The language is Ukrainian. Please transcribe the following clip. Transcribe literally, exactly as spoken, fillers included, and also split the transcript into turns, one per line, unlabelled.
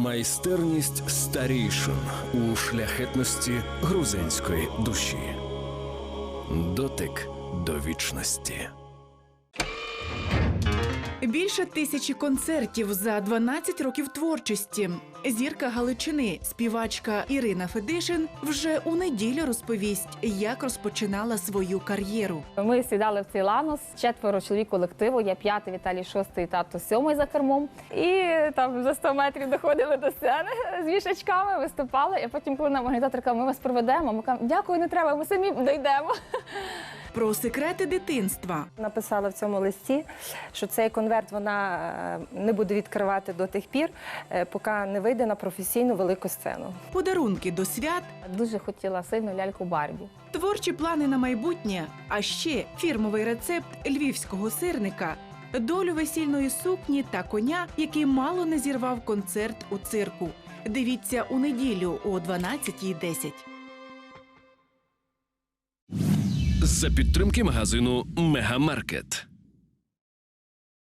Майстерність старійшин у шляхетності грузинської душі. Дотик до вічності.
Більше тисячі концертів за дванадцять років творчості. Зірка Галичини, співачка Ірина Федишин вже у неділю розповість, як розпочинала свою кар'єру.
Ми сідали в цей ланос, четверо чоловік колективу, я п'ятий, Віталій шостий, тато сьомий за кермом. І там за сто метрів доходили до сцени з вішачками, виступали. І потім, коли нам організатор каже, ми вас проведемо, ми кажемо, дякую, не треба, ми самі дійдемо.
Про секрети дитинства.
Написала в цьому листі, що цей конверт вона не буде відкривати до тих пір, поки не вийде на професійну велику сцену.
Подарунки до свят.
Дуже хотіла сильну ляльку Барбі.
Творчі плани на майбутнє, а ще фірмовий рецепт львівського сирника, долю весільної сукні та коня, який мало не зірвав концерт у цирку. Дивіться у неділю о дванадцятій десять.
За підтримки магазину «Мегамаркет».